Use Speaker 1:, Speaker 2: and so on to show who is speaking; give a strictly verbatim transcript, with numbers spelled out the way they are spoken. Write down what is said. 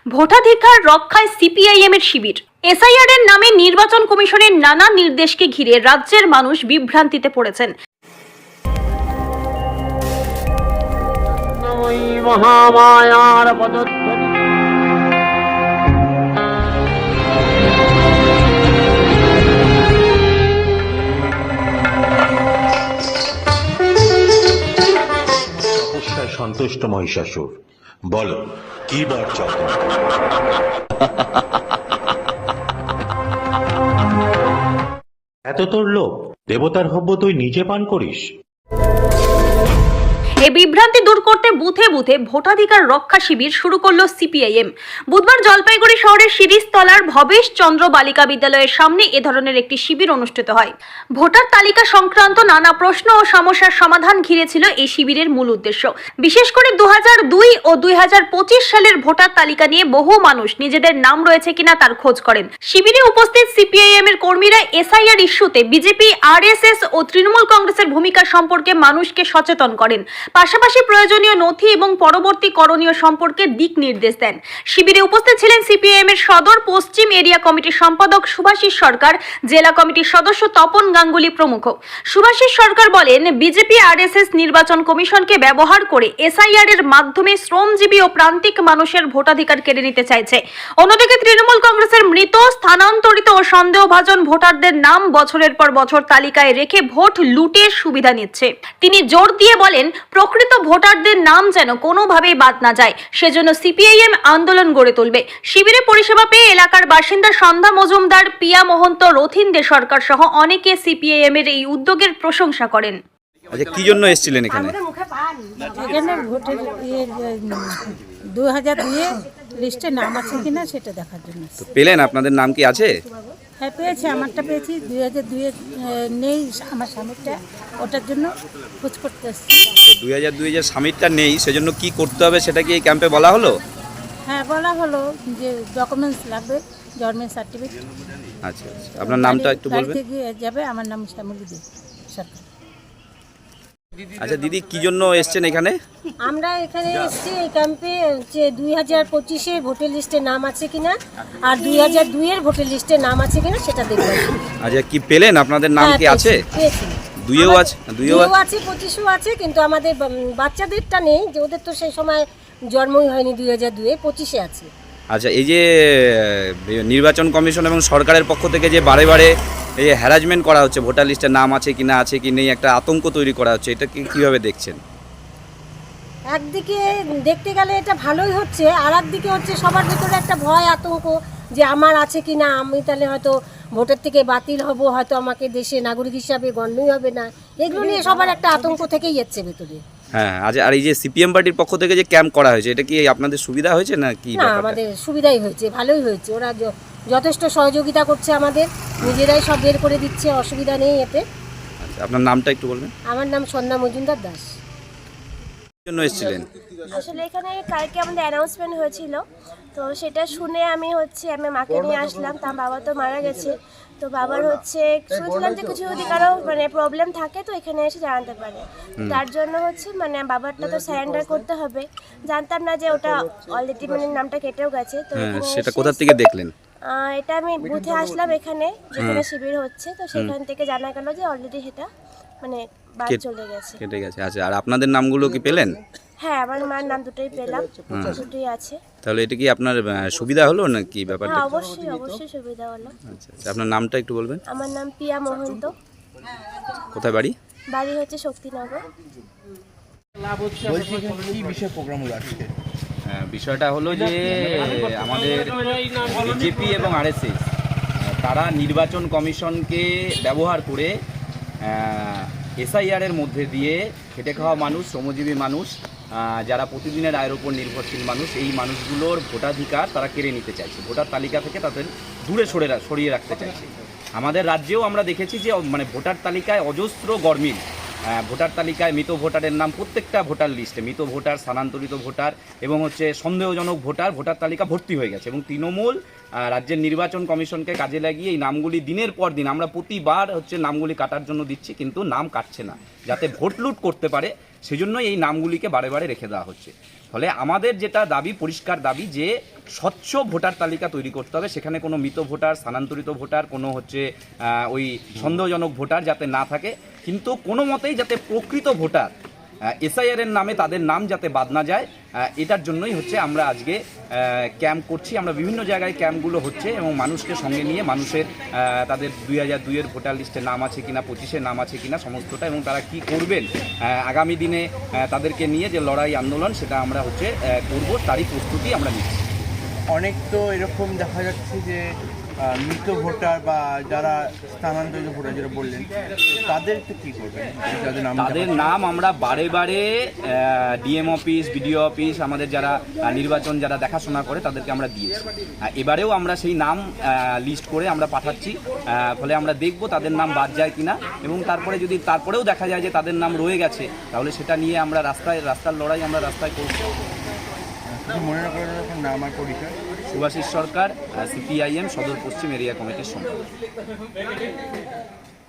Speaker 1: ভোটাধিকার রক্ষায় সিপিআইএম এর শিবির। এসআইআর এর নামে নির্বাচন কমিশনের নানা নির্দেশকে ঘিরে রাজ্যের মানুষ বিভ্রান্তিতে পড়েছেন।
Speaker 2: মহামায়ার পদধ্বনি
Speaker 3: সন্তুষ্ট মহিষাসুর, বলো কি বার চাও? এত তোর লোক, দেবতার হব্য তুই নিজে পান করিস?
Speaker 1: এই বিভ্রান্তি দূর করতে বুথে বুথে ভোটাধিকার রক্ষা শিবির শুরু করলো সিপিআইএম। বুধবার জলপাইগুড়ি শহরের শিরিষতলার ভবেশ চন্দ্র বালিকা বিদ্যালয়ের সামনে এ ধরনের একটি শিবির অনুষ্ঠিত হয়। ভোটার তালিকা সংক্রান্ত নানা প্রশ্ন ও সমস্যার সমাধান ঘিরে ছিল এই শিবিরের মূল উদ্দেশ্য। বিশেষ করে দু হাজার দুই ও দুই হাজার পঁচিশ সালের ভোটার তালিকা নিয়ে বহু মানুষ নিজেদের নাম রয়েছে কিনা তার খোঁজ করেন। শিবিরে উপস্থিত সিপিআইএম এর কর্মীরা এসআইআর ইস্যুতে বিজেপি, আরএসএস ও তৃণমূল কংগ্রেসের ভূমিকা সম্পর্কে মানুষকে সচেতন করেন। পাশাপাশি প্রয়োজনীয় নথি এবং পরবর্তী করণীয় সম্পর্কে দিক নির্দেশ দেন। শিবিরে উপস্থিত ছিলেন সিপিআইএম এর সদর পশ্চিম এরিয়া কমিটির সম্পাদক সুভাষিস সরকার, জেলা কমিটির সদস্য তপন গাঙ্গুলি প্রমুখ। সুভাষিস সরকার বলেন, বিজেপি আরএসএস নির্বাচন কমিশনকে ব্যবহার করে এসআইআর এর মাধ্যমে শ্রমজীবী ও প্রান্তিক মানুষের ভোটাধিকার কেড়ে নিতে চাইছে। অন্যদিকে তৃণমূল কংগ্রেসের মৃত, স্থানান্তরিত ও সন্দেহভাজন ভোটারদের নাম বছরের পর বছর তালিকায় রেখে ভোট লুটের সুবিধা নিচ্ছে। তিনি জোর দিয়ে বলেন, প্রকৃত ভোটারদের নাম যেন কোনোভাবেই বাদ না যায়, সেজন্য সিপিআইএম আন্দোলন গড়ে তুলবে। শিবিরে পরিষেবা পেয়ে এলাকার বাসিন্দা সন্ধ্যা মজুমদার, পিয়া মহন্ত, রথিন দে সরকার সহ অনেকে সিপিআইএম এর এই উদ্যোগের প্রশংসা করেন।
Speaker 4: আচ্ছা, কি জন্য এসেছিলেন এখানে?
Speaker 5: এখানে ভোটের দু হাজার দুইয়ে লিস্টে নাম আছে কিনা সেটা দেখার জন্য।
Speaker 4: তো পেলেন? আপনাদের নাম কি আছে?
Speaker 5: হ্যাঁ পেয়েছি, আমারটা পেয়েছি। দুই হাজার দুইয়ে নেই আমার স্বামীরটা, ওটার জন্য খোঁজ করতে এসেছি।
Speaker 4: তো দুই হাজার দুই যে স্বামীরটা নেই, সেজন্য কি করতে হবে সেটা কি এই ক্যাম্পে বলা হলো?
Speaker 5: হ্যাঁ বলা হলো যে ডকুমেন্টস লাগবে, জন্মের সার্টিফিকেট।
Speaker 4: আচ্ছা আচ্ছা, আপনার নামটা একটু বলবেন?
Speaker 5: গিয়ে যাবে। আমার নাম শ্যামলী দে সরকার।
Speaker 4: আচ্ছা দিদি, কি জন্য এসছেন এখানে?
Speaker 6: আমরা এখানে এসেছি এই ক্যাম্পে যে দুই হাজার পঁচিশের ভোটার লিস্টে নাম আছে কিনা আর দুই হাজার দুইয়ের ভোটার লিস্টে নাম আছে কিনা সেটা দেখব।
Speaker 4: আচ্ছা, কি পেলেন? আপনাদের নাম কি আছে?
Speaker 6: পেয়েছি।
Speaker 4: দুইও আছে? দুইও
Speaker 6: আছে, পঁচিশও আছে, কিন্তু আমাদের বাচ্চাদেরটা নেই, যে ওদের তো সেই সময় জন্মই হয়নি। দুই হাজার দুইয়ে পঁচিশে আছে।
Speaker 4: আচ্ছা, এই যে নির্বাচন কমিশন এবং সরকারের পক্ষ থেকে যে বারে বারে এই হ্যারাসমেন্ট করা হচ্ছে, ভোটার লিস্টে নাম আছে কি না আছে কি নেই, একটা আতঙ্ক তৈরি করা হচ্ছে, এটা কি কিভাবে দেখছেন?
Speaker 6: একদিকে দেখতে গেলে এটা ভালোই হচ্ছে, আর একদিকে হচ্ছে সবার ভিতরে একটা ভয়, আতঙ্ক যে আমার আছে কি না, আমি তাহলে হয়তো ভোটের থেকে বাতিল হব, হয়তো আমাকে দেশে নাগরিক হিসাবে গণ্যই হবে না। এগুলো নিয়ে সবার একটা আতঙ্ক থেকেই যাচ্ছে ভেতরে।
Speaker 4: হ্যাঁ, আজ আর এই যে সিপিএম পার্টির পক্ষ থেকে যে ক্যাম্প করা হয়েছে, এটা কি আপনাদের সুবিধা হয়েছে না কি?
Speaker 6: না, আমাদের সুবিধাই হয়েছে, ভালোই হয়েছে। ওরা যথেষ্ট সহযোগিতা করছে আমাদের, নিজেরাই সব বের করে দিচ্ছে, অসুবিধা নেই এতে।
Speaker 4: আচ্ছা, আপনার নামটা একটু বলবেন?
Speaker 6: আমার নাম সন্ধ্যা মজুমদার দাস।
Speaker 4: জন্য এসেছিলেন?
Speaker 7: আসলে এখানে কালকে আমাদের অ্যানাউন্সমেন্ট হয়েছিল, তো সেটা শুনে আমি হচ্ছে আমি মাকে নিয়ে আসলাম। তার বাবা তো মারা গেছে, তো বাবার হচ্ছে শুনছিলাম যে কিছু যদি কারো মানে প্রবলেম থাকে তো এখানে এসে জানাতে পারে। তার জন্য হচ্ছে মানে বাবারটা তো সারেন্ডার করতে হবে। জানতাম না যে ওটা অলরেডি মানে নামটা কেটেও গেছে। তো
Speaker 4: সেটা কোথা থেকে দেখলেন?
Speaker 7: এটা আমি বুথে আসলাম এখানে, যেখানে শিবির হচ্ছে, তো সেখান থেকে জানা গেল যে অলরেডি সেটা মানে বাদ চলে গেছে,
Speaker 4: কেটে গেছে। আচ্ছা, আর আপনাদের নামগুলো কি পেলেন?
Speaker 7: হ্যাঁ, আমার মার নাম দুটোই পেলাম, দুটোই আছে।
Speaker 4: তাহলে এটা কি আপনার সুবিধা হলো না কি ব্যাপারটা?
Speaker 7: হ্যাঁ, অবশ্যই অবশ্যই সুবিধা হলো।
Speaker 4: আচ্ছা আচ্ছা, আপনার নামটা একটু বলবেন?
Speaker 7: আমার নাম পিয়া মহন্ত।
Speaker 4: কোথায় বাড়ি?
Speaker 7: বাড়ি হচ্ছে শক্তিনগর।
Speaker 8: বলছি কি বিষয় প্রোগ্রাম হলো আজকে?
Speaker 4: বিষয়টা হলো যে আমাদের বিজেপি এবং আরএসএস তারা নির্বাচন কমিশনকে ব্যবহার করে এসআইআর এর মধ্যে দিয়ে খেটে খাওয়া মানুষ, শ্রমজীবী মানুষ, যারা প্রতিদিনের আয়ের উপর নির্ভরশীল মানুষ, এই মানুষগুলোর ভোটাধিকার তারা কেড়ে নিতে চাইছে, ভোটার তালিকা থেকে তাদের দূরে সরে সরিয়ে রাখতে চাইছে। আমাদের রাজ্যেও আমরা দেখেছি যে মানে ভোটার তালিকায় অজস্র গরমিল, ভোটার তালিকায় মৃত ভোটারের নাম প্রত্যেকটা ভোটার লিস্টে মৃত ভোটার, স্থানান্তরিত ভোটার এবং হচ্ছে সন্দেহজনক ভোটার ভোটার তালিকা ভর্তি হয়ে গেছে। এবং তৃণমূল রাজ্যের নির্বাচন কমিশনকে কাজে লাগিয়ে এই নামগুলি দিনের পর দিন, আমরা প্রতিবার হচ্ছে নামগুলি কাটার জন্য দিচ্ছি, কিন্তু নাম কাটছে না, যাতে ভোট লুট করতে পারে, সেজন্য এই নামগুলিকে বারে বারে রেখে দেওয়া হচ্ছে। ফলে আমাদের যেটা দাবি, পরিষ্কার দাবি যে স্বচ্ছ ভোটার তালিকা তৈরি করতে হবে, সেখানে কোনো মৃত ভোটার, স্থানান্তরিত ভোটার, কোনো হচ্ছে আহ, ওই সন্দেহজনক ভোটার যাতে না থাকে, কিন্তু কোনো মতেই যাতে প্রকৃত ভোটার এসআইআর এর নামে তাদের নাম যাতে বাদ না যায়, আহ, এটার জন্যই হচ্ছে আমরা আজকে ক্যাম্প করছি। আমরা বিভিন্ন জায়গায় ক্যাম্পগুলো হচ্ছে এবং মানুষকে সঙ্গে নিয়ে মানুষের আহ, তাদের দুই হাজার দুইয়ের ভোটার লিস্টে নাম আছে কিনা, পঁচিশের নাম আছে কিনা সমস্তটা, এবং তারা কি করবেন আহ, আগামী দিনে আহ, তাদেরকে নিয়ে যে লড়াই আন্দোলন সেটা আমরা হচ্ছে আহ, করব, তারই প্রস্তুতি আমরা নিচ্ছি।
Speaker 8: অনেক তো এরকম দেখা যাচ্ছে যে আহ, মৃত ভোটার বা যারা স্থানান্তরিত ভোটার যেটা বললেন, তাদের তো কী করবেন? যাদের নাম
Speaker 4: তাদের নাম আমরা বারে বারে ডিএম অফিস, বিডিও অফিস, আমাদের যারা আহ, নির্বাচন যারা দেখাশোনা করে তাদেরকে আমরা দিয়েছি। আহ, এবারেও আমরা সেই নাম লিস্ট করে আমরা পাঠাচ্ছি। আহ, ফলে আমরা দেখব তাদের নাম বাদ যায় কিনা, এবং তারপরে যদি তারপরেও দেখা যায় যে তাদের নাম রয়ে গেছে, তাহলে সেটা নিয়ে আমরা রাস্তায় রাস্তার লড়াই আমরা রাস্তায় করব।
Speaker 8: কিছু মনে না করেন এখন নাম আর পরিচয়?
Speaker 4: সুভাষিস সরকার, সিপিআইএম সদর পশ্চিম এরিয়া কমিটির সম্পাদক।